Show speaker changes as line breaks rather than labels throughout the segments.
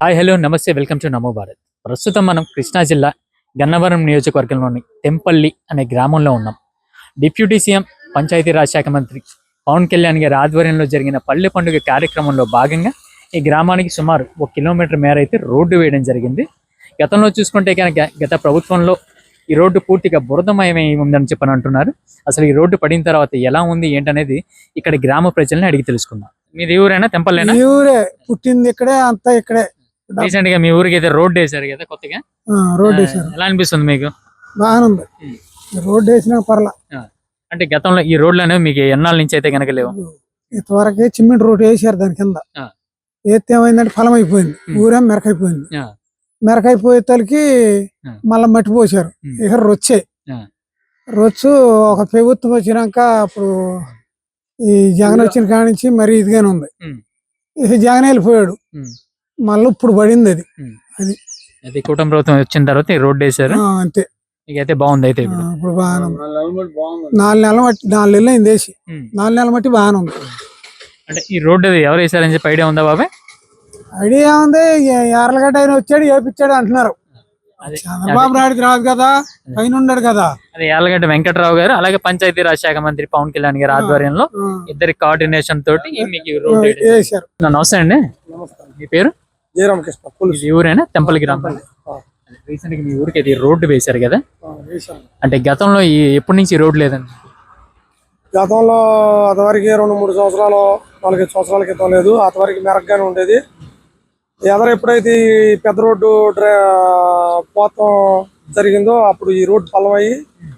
Hi hello namaste welcome to Namo Bharat. ప్రస్తుతం మనం కృష్ణా జిల్లా గన్నవరం నియోజకవర్గంలోని తెంపల్లి అనే గ్రామంలో ఉన్నాం. డిప్యూటీ సీఎం పంచాయతీరాజ్ శాఖ మంత్రి పవన్ కళ్యాణ్ గారి ఆధ్వర్యంలో జరిగిన పల్లె పండుగ కార్యక్రమంలో భాగంగా ఈ గ్రామానికి సుమారు 1 కిలోమీటర్ మేర అయితే రోడ్డు వేయడం జరిగింది. గతంలో చూసుకుంటే కనుక గత ప్రభుత్వంలో ఈ రోడ్డు పూర్తిగా బురదమయమై ఉందని చెప్పని అంటున్నారు. అసలు ఈ రోడ్డు పడిన తర్వాత ఎలా ఉంది ఏంటనేది ఇక్కడ గ్రామ ప్రజల్ని అడిగి తెలుసుకుందాం. మీది ఊరేనా? తెంపల్లేనా?
ఊరే, పుట్టింది ఇక్కడే, అంతా ఇక్కడే.
రీసెంట్ గా మీ ఊరికి అయితే రోడ్డు వేశారు కదా కొత్తగా,
రోడ్డు వేసారు.
ఎలా అనిపిస్తుంది మీకు?
బాగానే ఉంది, రోడ్డు వేసినా పర్లా.
అంటే గతంలో ఈ రోడ్లు అనేవి మీకు ఎన్నాళ్ళ నుంచి అయితే కనుక లేవు?
ఇంతవరకే సిమెంట్ రోడ్డు వేసారు. దాని కింద వేస్తే ఏమైందంటే ఫలం అయిపోయింది, ఊరేం మెరకైపోయింది. మెరకైపోయే తలకి మళ్ళీ మట్టి పోసారు. ఇక రొచ్చు ఒక ప్రభుత్వం వచ్చినాక అప్పుడు ఈ జగన్ వచ్చిన కాడి నుంచి మరి ఇదిగానే ఉంది. ఇక జగన్ వెళ్ళిపోయాడు, మళ్ళీ ఇప్పుడు పడింది అది.
అది కూటమి ప్రభుత్వం వచ్చిన తర్వాత ఈ రోడ్డు వేసారు
అంతే.
అయితే బాగుంది. అయితే
ఇప్పుడు బాగానే ఉంది. 4 నెలల మట్టి 4 నెలలు అయింది వేసి. 4 నెలల మట్టి బాగానే ఉంది.
అంటే ఈ రోడ్డు ఎవరు వేసారని చెప్పి ఐడియా ఉందా బాబాయ్?
ఐడియా ఉంది. యార్లగడ్డ ఆయన వచ్చాడు వేపించాడు అంటున్నారు. చంద్రబాబు నాయుడుకి రాదు కదా, పైన ఉన్నాడు కదా.
అదే యార్లగడ్డ వెంకటరావు గారు అలాగే పంచాయతీరాజ్ శాఖ మంత్రి పవన్ కళ్యాణ్ గారి ఆధ్వర్యంలో ఇద్దరి కోఆర్డినేషన్ తోటి మీకు రోడ్డు వేసారు. నమస్తే అండి, మీ పేరు?
జయరామకృష్ణ.
ఈ ఊరేనా? తెంపల్లి గ్రామం. రీసెంట్ గా మీ ఊరికి అయితే రోడ్డు వేశారు కదా, అంటే గతంలో ఎప్పటి నుంచి రోడ్డు లేదండి?
గతంలో అంతవరకు 2-3 సంవత్సరాలు 4-5 సంవత్సరాల క్రితం లేదు. అంతవరకు మెరగ్గానే ఉండేది. ఎప్పుడైతే ఈ పెద్ద రోడ్డు పోతం జరిగిందో అప్పుడు ఈ రోడ్డు పల్లమయ్యి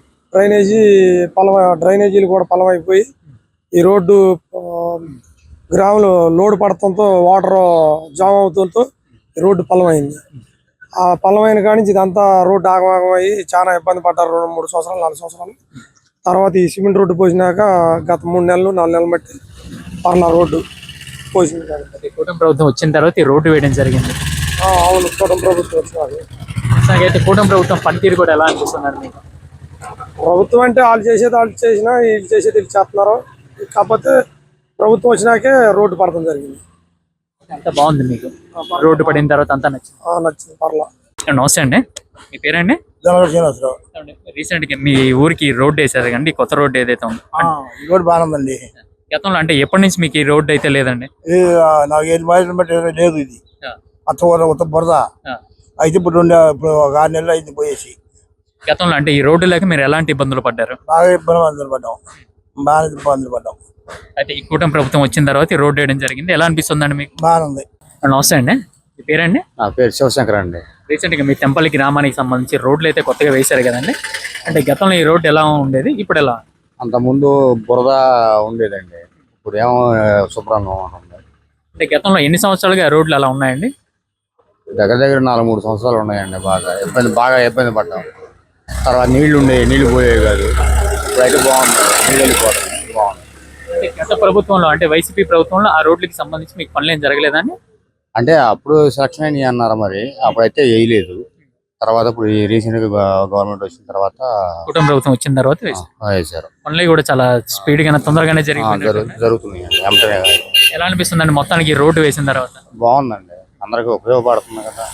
డ్రైనేజీలు కూడా పల్లమైపోయి ఈ రోడ్డు గ్రామంలో లోడ్ పడటంతో వాటర్ జామ్ అవుతుంతో ఈ రోడ్డు పల్లమైంది. ఆ పల్లమైన కాడి నుంచి ఇదంతా రోడ్డు ఆగమాగమయ్యి చాలా ఇబ్బంది పడ్డారు. 2-3 సంవత్సరాలు 4 సంవత్సరాలు తర్వాత ఈ సిమెంట్ రోడ్డు పోసినాక గత 3 నెలలు 4 నెలలు బట్టి పర్లా రోడ్డు పోసింది.
కూటమి ప్రభుత్వం వచ్చిన తర్వాత ఈ రోడ్డు వేయడం జరిగింది.
అవును, కూటమి ప్రభుత్వం వచ్చినాక
అయితే కూటమి ప్రభుత్వం పనితీరు కూడా ఎలా అనిపిస్తున్నారు మీకు?
ప్రభుత్వం అంటే వాళ్ళు చేసేది వాళ్ళు చేసినా, వీళ్ళు చేసేది వీళ్ళు చేస్తున్నారు. కాకపోతే ప్రభుత్వం వచ్చినాకే రోడ్డు పడటం జరిగింది.
అంత బాగుంది మీకు? రోడ్డు పడిన తర్వాత అంతా
నచ్చింది, పర్లా.
నమస్తే అండి, మీ పేరండి?
శ్రీనివాసరావు.
రీసెంట్ గా మీ ఊరికి రోడ్డు వేసారు కండి, కొత్త రోడ్డు ఏదైతే ఉంది
రోడ్డు బాగుందండి.
గతంలో అంటే ఎప్పటి నుంచి మీకు ఈ రోడ్డు అయితే లేదండి?
నాకు 7 మైళ్ళు బట్టి లేదు. ఇది కొత్త బురద అయితే ఇప్పుడు 6 నెలలు అయింది పోయేసి.
గతంలో అంటే ఈ రోడ్డు లేక మీరు ఎలాంటి ఇబ్బందులు పడ్డారు?
బాగా ఇబ్బందులు పడ్డాం.
అయితే ఈ కూటమి ప్రభుత్వం వచ్చిన తర్వాత ఈ రోడ్డు వేయడం జరిగింది. ఎలా అనిపిస్తుందండి మీకు?
బాగుంది.
నమస్తే అండి, మీ పేరండి?
నా పేరు శివశంకర్ అండి.
రీసెంట్ గా మీ తెంపల్లి గ్రామానికి సంబంధించి రోడ్లు అయితే కొత్తగా వేశారు కదండి, అంటే గతంలో ఈ రోడ్డు ఎలా ఉండేది, ఇప్పుడు ఎలా?
అంత ముందు బురద ఉండేదండి, ఇప్పుడు ఏమో శుభ్రంగా ఉంటుంది.
అంటే గతంలో ఎన్ని సంవత్సరాలుగా రోడ్లు అలా ఉన్నాయండి?
దగ్గర 4-3 సంవత్సరాలు ఉన్నాయండి. బాగా ఇబ్బంది పడ్డాం. తర్వాత నీళ్లు పోయేవి కాదు. ఇప్పుడైతే బాగుంది, నీళ్ళు వెళ్ళిపోవడం బాగుంది.
గత ప్రభుత్వంలో అంటే వైసీపీ ప్రభుత్వంలో ఆ రోడ్లకి సంబంధించి మీకు పనులు ఏం జరగలేదండి?
అంటే అప్పుడు సెలక్షన్ అయినాయి అన్నారు, మరి అప్పుడైతే వేయలేదు. తర్వాత ఇప్పుడు రీసెంట్ గా గవర్నమెంట్ వచ్చిన తర్వాత
కుటుంబ ప్రభుత్వం వచ్చిన తర్వాత
వేశారు.
పనులు కూడా చాలా స్పీడ్ గానే తొందరగానే
జరుగుతున్నాయి.
ఎలా అనిపిస్తుందండి మొత్తానికి ఈ రోడ్డు వేసిన తర్వాత?
బాగుందండి, అందరికి ఉపయోగపడుతుంది కదా.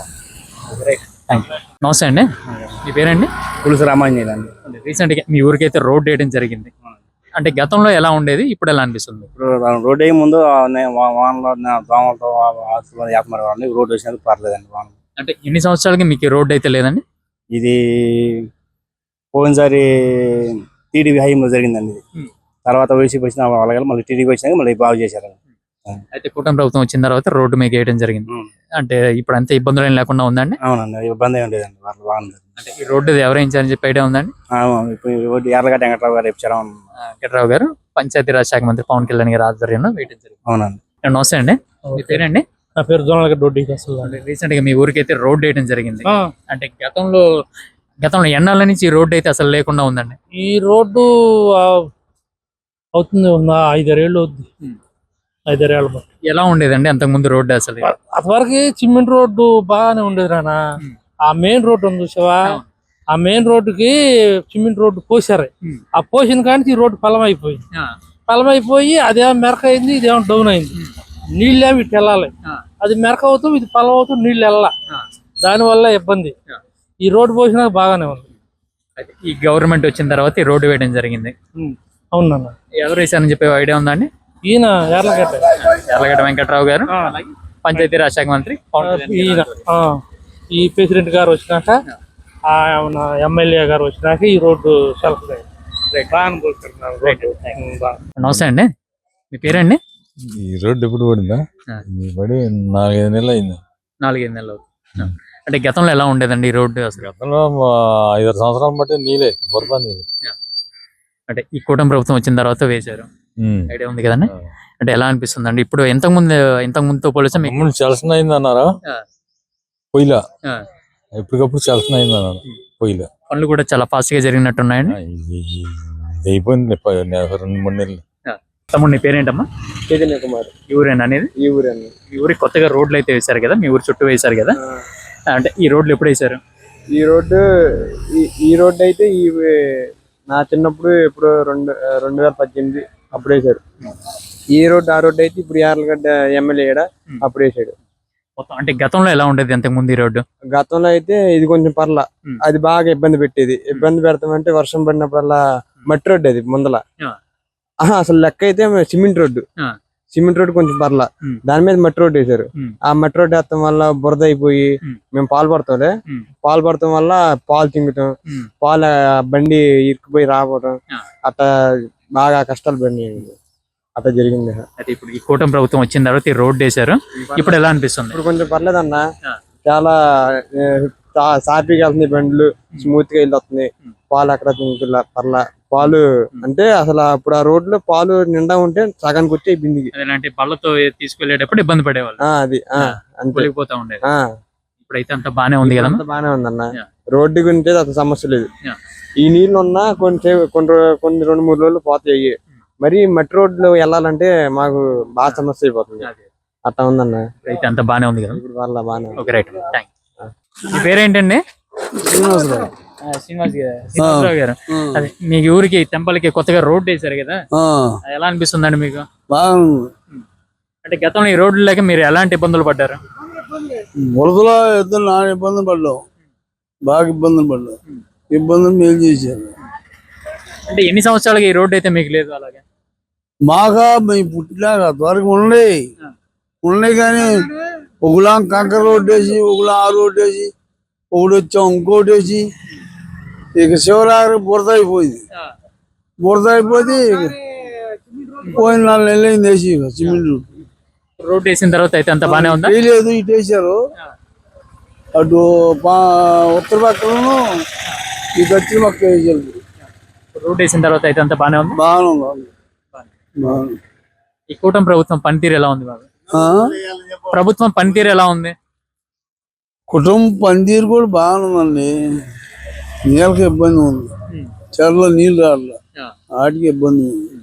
నమస్తే అండి, మీ పేరండి?
పులుసు రామాంజనేయులు అండి.
రీసెంట్ గా మీ ఊరికి అయితే రోడ్డు వేయడం జరిగింది, అంటే గతంలో ఎలా ఉండేది, ఇప్పుడు ఎలా అనిపిస్తుంది?
రోడ్డు అయ్యే ముందు వానలో దోమలతో రోడ్డు వచ్చినందుకు పర్లేదండి.
అంటే ఎన్ని సంవత్సరాలకి మీకు రోడ్డు అయితే లేదండి?
ఇది పోయినసారి టీడీపీ హయాంలో జరిగిందండి. తర్వాత వైసీపీ వచ్చిన వాళ్ళ మళ్ళీ టీడీపీ వచ్చినాక మళ్ళీ బాగు చేశారు.
అయితే కూటమి ప్రభుత్వం వచ్చిన తర్వాత రోడ్డు మీకు వేయడం జరిగింది, అంటే ఇప్పుడు అంత ఇబ్బందులు ఏం లేకుండా ఉందండి?
అవునండి, ఇబ్బంది ఏం లేదండి, బాగుంది.
అంటే ఈ రోడ్డు ఎవరైంచారని చెప్పి ఐడియా ఉందండి?
యార్లగడ్డ వెంకటరావు గారు ఇచ్చారు.
వెంకటరావు గారు పంచాయతీరాజ్ శాఖ మంత్రి పవన్ కళ్యాణ్ గారి ఆధ్వర్యంలో వేయడం జరిగింది.
అవునండి.
నమస్తే అండి, మీ పేరండి?
నా పేరు జోనలగడ్డ.
రీసెంట్ గా మీ ఊరికి అయితే రోడ్డు వేయడం జరిగింది, అంటే గతంలో ఎన్నాళ్ళ నుంచి ఈ రోడ్డు అయితే అసలు లేకుండా ఉందండి?
ఈ రోడ్డు అవుతుంది 5-6 ఏళ్ళు అవుతుంది. 5-6 ఏళ్ళ
ఎలా ఉండేదండి అంతకు ముందు రోడ్డు? అసలు
అంతవరకు సిమెంట్ రోడ్డు బాగానే ఉండేది రానా. ఆ మెయిన్ రోడ్డు ఉంది చూసావా, ఆ మెయిన్ రోడ్డుకి సిమెంట్ రోడ్డు పోసారు. ఆ పోసిన కానీ ఈ రోడ్డు పలమైపోయింది. అదేమో మెరక అయింది, ఇదేమో డౌన్ అయింది. నీళ్ళేమి ఇటు వెళ్ళాలి.
అది మెరక అవుతూ ఇది పొలం అవుతూ నీళ్ళు వెళ్ళ, దానివల్ల ఇబ్బంది. ఈ రోడ్డు పోసినా బాగానే ఉంది.
అయితే ఈ గవర్నమెంట్ వచ్చిన తర్వాత ఈ రోడ్డు వేయడం జరిగింది.
అవునన్న.
ఎవరు వేశారని చెప్పే ఐడియా ఉందా అండి?
ఈయన యార్లగడ్డ
యార్లగడ్డ వెంకట్రావు గారు, అలాగే పంచాయతీ రాజ్ శాఖ మంత్రి పవన్ కళ్యాణ్
ఈయన ఈ ప్రెసిడెంట్ గారు వచ్చినాక, మన ఎమ్మెల్యే గారు వచ్చినాక ఈ రోడ్డు సెలవు
నమస్తే అండి, మీ పేరండి?
ఈ రోడ్డు ఎప్పుడు పడిందా? ఈ పడి 4-5 నెలలు అయింది.
4-5 నెలలు అవుతుంది. అంటే గతంలో ఎలా ఉండేదండి ఈ రోడ్డు అసలు?
గతంలో 5-6 సంవత్సరాలు బట్టి నీళ్ళే, బురద నీళ్ళు.
అంటే ఈ కూటమి ప్రభుత్వం వచ్చిన తర్వాత వేశారు, ఐడియా ఉంది కదండి. అంటే ఎలా అనిపిస్తుంది అండి ఇప్పుడు? ఇంతకు ముందుతో పోలిస్తే మీకు
చలసన అయింది అన్నారా? పొయ్యిలా ఎప్పటికప్పుడు చలసన అయింది అన్నారు. పొయ్యిలా
పనులు కూడా చాలా ఫాస్ట్ గా జరిగినట్టున్నాయండి.
అయిపోయింది 2-3 నెలలు.
తమ్ముడు నీ పేరేంటమ్మా?
చైతన్య కుమార్.
ఈ ఊరేనా అనేది?
ఈ ఊరేనా.
ఈ ఊరికి కొత్తగా రోడ్లు అయితే వేశారు కదా, మీ ఊరు చుట్టూ వేశారు కదా. అంటే ఈ రోడ్లు ఎప్పుడు వేశారు?
ఈ రోడ్డు అయితే నా చిన్నప్పుడు ఇప్పుడు 2018 అప్పుడు వేసాడు. ఆ రోడ్డు అయితే ఇప్పుడు యార్లగడ్డ ఎమ్మెల్యే అప్పుడు వేసాడు.
మొత్తం అంటే గతంలో ఎలా ఉండేది అంతకు ముందు ఈ రోడ్డు?
గతంలో అయితే ఇది కొంచెం పర్లా, అది బాగా ఇబ్బంది పెట్టేది. ఇబ్బంది పెడతామంటే వర్షం పడినప్పుడల్లా మట్టి రోడ్డు అది ముందల. అసలు లెక్క అయితే సిమెంట్ రోడ్డు కొంచెం పర్లా, దాని మీద మట్టి రోడ్డు వేసారు. ఆ మట్టి రోడ్డు వేస్తాం వల్ల బురద అయిపోయి మేము పాలు పడతాం వల్ల పాలు చింగుతాం, పాలు బండి ఇరుక్కుపోయి రాకపోవడం, అట్లా బాగా కష్టాలు పడినాయి. అట్లా జరిగింది.
అయితే ఇప్పుడు ఈ కూటమి ప్రభుత్వం వచ్చిన తర్వాత ఈ రోడ్డు వేశారు, ఇప్పుడు ఎలా అనిపిస్తుంది?
ఇప్పుడు కొంచెం పర్లేదన్న, చాలా సాఫీగా వెళ్తుంది, బండ్లు స్మూత్ గా వెళ్ళొస్తుంది. పాలు అక్కడ పర్లా, పాలు అంటే అసలు అప్పుడు ఆ రోడ్ లో పాలు నిండా ఉంటే సగానికి వచ్చే బిందికి.
అలాంటి బళ్ళతో తీసుకెళ్లేటప్పుడు ఇబ్బంది పడేవాళ్ళు,
అది
అంతే ఉండేది. ఇప్పుడైతే అంత బానే ఉంది కదా?
బానే ఉందన్న, రోడ్డు గురించి అసలు సమస్య లేదు. ఈ నీళ్లు ఉన్నా కొన్ని 2-3 రోజులు పోతాయి. మరి మట్టి రోడ్లు వెళ్ళాలంటే మాకు బాగా సమస్య అయిపోతుంది. అట్లా ఉందన్న.
అయితే అంత బానే ఉంది కదా?
ఇప్పుడు వాళ్ళ బానే.
Okay, right. మీ పేరేంటండి? శ్రీనివాసరావు గారు. అదే మీ ఊరికి టెంపుల్కి కొత్తగా రోడ్డు వేశారు కదా, ఎలా అనిపిస్తుందండి మీకు? అంటే గతంలో ఈ రోడ్లు లేక మీరు ఎలాంటి ఇబ్బందులు పడ్డారు?
బురదలో ఇద్దరు నాన్న ఇబ్బందులు పడ్డాం, బాగా ఇబ్బందులు పడ్డాం. ఇబ్బందులు మేలు చేశారు.
అంటే ఎన్ని సంవత్సరాలుగా ఈ రోడ్డు అయితే మీకు లేదు? అలాగే
మాగా మేము పుట్టినాక త్వరగా ఉన్నాయి కానీ ఒకలా కంకర రోడ్డు వేసి, ఒకలా ఆ రోడ్డు వేసి, ఒకటి వచ్చాం ఇంకోటి వేసి, ఇక శివరాత్రి బురద అయిపోయింది. పోయిన 4 నెలలు అయింది వేసి. ఇక సిమెంట్
రోడ్డు వేసిన తర్వాత అయితే అంత బానే ఉందా?
లేదు, ఇటు వేసారు. అటు ఉత్తర పక్కలను ఈ దక్షిణ పక్క వేసారు.
రోడ్డు వేసిన తర్వాత అయితే అంత బానే ఉంది.
బాగుంది.
ఈ కూటమి ప్రభుత్వం పనితీరు ఎలా ఉంది బాబు? ప్రభుత్వం పనితీరు ఎలా ఉంది?
కుటుంబ పనితీరు కూడా బాగుందండి. నీళ్ళకి ఇబ్బంది ఉంది, చెరలో నీళ్ళు రావట్లే, వాటికి ఇబ్బంది ఉంది.